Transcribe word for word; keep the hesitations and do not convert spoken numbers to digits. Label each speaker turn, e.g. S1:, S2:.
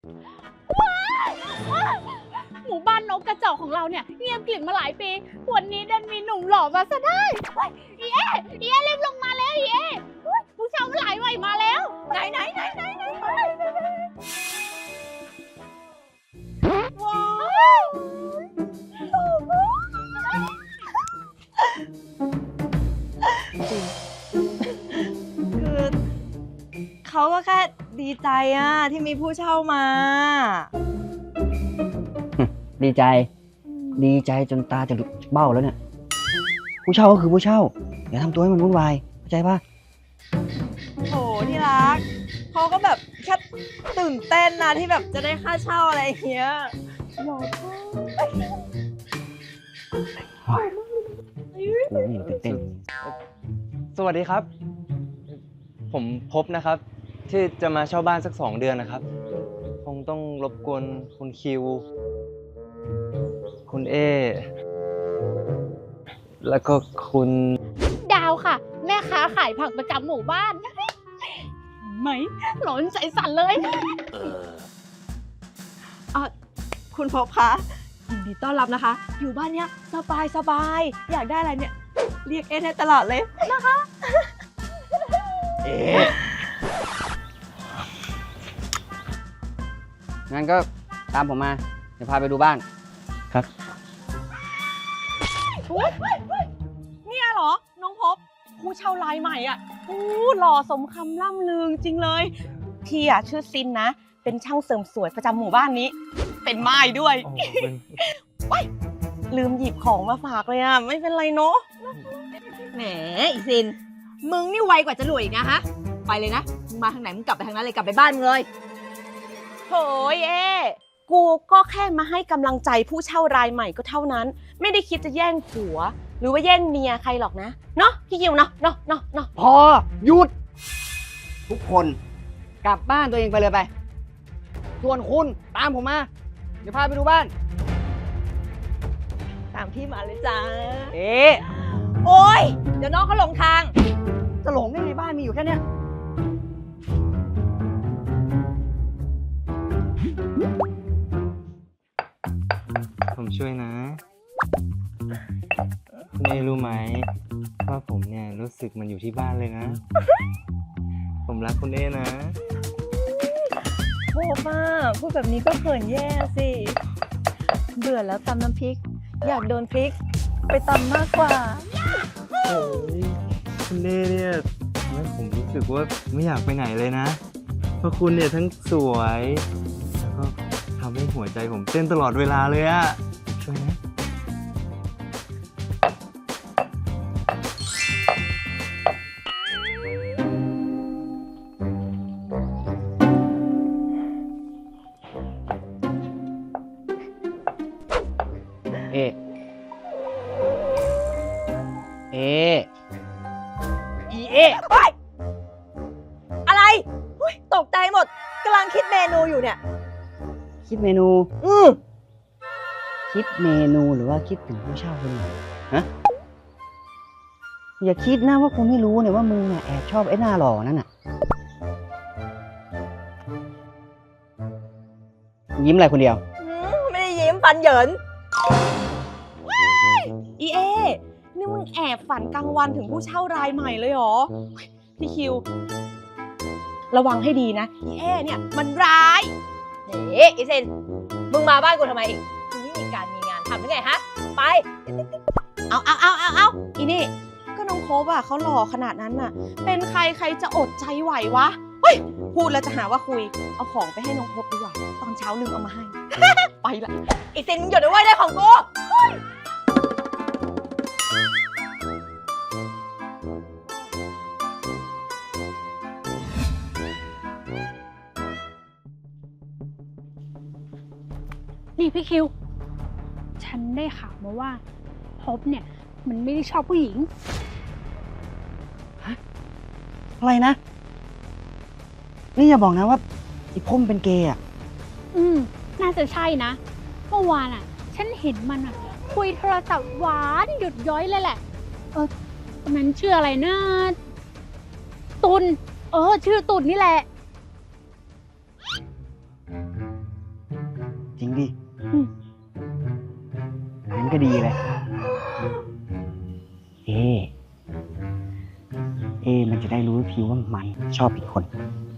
S1: หมู่บ้านนกกระจอกของเราเนี่ยเงียบกริบมาหลายปีวันนี้ดันมีหนุ่มหล่อมาซะได้อีเอ๋อีเอ๋รีบลงมาแล้วอีเอ๋ผู้ชายหลายวัยมาแล้วไหนไหนไหนไหนไหนว้าว
S2: คือเขาก็แค่ดีใจอะที่มีผู้เช่ามา
S3: ดีใจดีใจจนตาจะหลุดเบ้าแล้วเนี่ยผู้เช่าก็คือผู้เช่าอย่าทำตัวให้มันวุ่นวายเข้าใจป่ะ
S2: โหที่รักเขาก็แบบแค่ตื่นเต้นนะที่แบบจะได้ค่าเช่าอะไรอย่างเงี้ยหล่อมาก
S3: โอ้ยตื่นเต้น
S4: สวัสดีครับ ผมพบนะครับ ที่จะมาเช่าบ้านสักสองเดือนนะครับ คงต้องรบกวนคุณคิว คุณเอ แล้วก็คุณ
S1: ดาวค่ะแม่ค้าขายผักประจำหมู่บ้านไหมหลอนใจสั่นเลย
S2: เออคุณพบคะยินดีต้อนรับนะคะอยู่บ้านเนี้ยสบายสบายอยากได้อะไรเนี่ยเรียกเอได้ตลอดเลยนะคะ
S3: เอ๊ะงั้นก็ตามผมมาเดี๋ยวพาไปดูบ้านครับ
S2: เนี่ยเหรอน้องพบผู้เช่ารายใหม่อ่ะโอ้หล่อสมคำล่ำลือจริงเลยพี่อ่ะชื่อซินนะเป็นช่างเสริมสวยประจำหมู่บ้านนี้เป็นไม้ด้วยว้ายลืมหยิบของมาฝากเลยอ่ะไม่เป็นไรเนาะ
S5: แหมอีซินมึงนี่ไวกว่าจะรวยอีกนะฮะไปเลยนะมึงมาทางไหนมึงกลับไปทางนั้นเลยกลับไปบ้านมึงเลย
S2: โหยเอกูก็แค่มาให้กำลังใจผู้เช่ารายใหม่ก็เท่านั้นไม่ได้คิดจะแย่งผัวหรือว่าแย่งเมียใครหรอกนะเนาะพี่คิวเนาะเนาะเนาะเนาะ
S3: พอหยุดทุกคนกลับบ้านตัวเองไปเลยไปส่วนคุณตามผมมาเดี๋ยวพาไปดูบ้าน
S2: ตามพี่มาเลยจ้า
S3: เอ๊ะ
S5: โอ๊ยเดี๋ยวน้องเขาหลงทาง
S3: จะหลงได้ไงบ้านมีอยู่แค่เนี้ย
S4: ผมช่วยนะ คุณเอรู้ไหมว่าผมเนี่ยรู้สึกมันอยู่ที่บ้านเลยนะ ผมรักคุณเอนะ
S2: โหป้าพูดแบบนี้ก็เขินแย่สิเบื่อแล้วตำน้ำพริกอยากโดนพริกไปตำมากกว่า
S4: โอ้ยคุณเอเนี่ยทำให้ผมรู้สึกว่าไม่อยากไปไหนเลยนะเพราะคุณเนี่ยทั้งสวยแล้วก็ทำให้หัวใจผมเต้นตลอดเวลาเลยอะช่วยนะ
S3: เอเออีเอ
S2: อะไรอุ๊ยตกใจหมดกำลังคิดเมนูอยู่เนี่ย
S3: คิดเมนู
S2: อือ
S3: คิดเมนูหรือว่าคิดถึงผู้เช่าคนไหนฮะอย่าคิดนะว่าคุณไม่รู้เนี่ยว่ามึงเนี่ยแอบชอบไอ้หน้าหล่อนั่นน่ะยิ้มอะไรคนเดียว
S2: ไม่ได้ยิ้มฟันเหยินอีเอนี่มึงแอบฝันกลางวันถึงผู้เช่ารายใหม่เลยเหรอพี่คิวระวังให้ดีนะอีเอเนี่ยมันร้าย
S5: เฮ้อีซินมึงมาบ้านกูทำไมอีกมึงไม่มีการมีงานทำหรือไงฮะไป
S2: เอาเอาเอาเอาเอาอีนี่ก็น้องโคบอ่ะเขาหล่อขนาดนั้นน่ะเป็นใครใครจะอดใจไหววะเฮ้ยพูดแล้วจะหาว่าคุยเอาของไปให้น้องโคบดีกว่าตอนเช้าลืมเอามาให้ ไปละ
S5: อีซินหยุดไว้ได้ของกู
S1: นี่พี่คิวฉันได้ข่าวมาว่าพบเนี่ยมันไม่ได้ชอบผู้หญิง
S3: ฮะอะไรนะนี่อย่าบอกนะว่าไอ้พมเป็นเกย์อ่ะ
S1: อืมน่าจะใช่นะเมื่อวานอ่ะฉันเห็นมันอ่ะคุยโทรศัพท์หวานหยุดย้อยเลยแหละเออมันชื่ออะไรนะตุลเออชื่อตุลนี่แหละ
S3: ก็ดีเลย เอ เอ มันจะได้รู้พิวว่ามันชอบอีกคน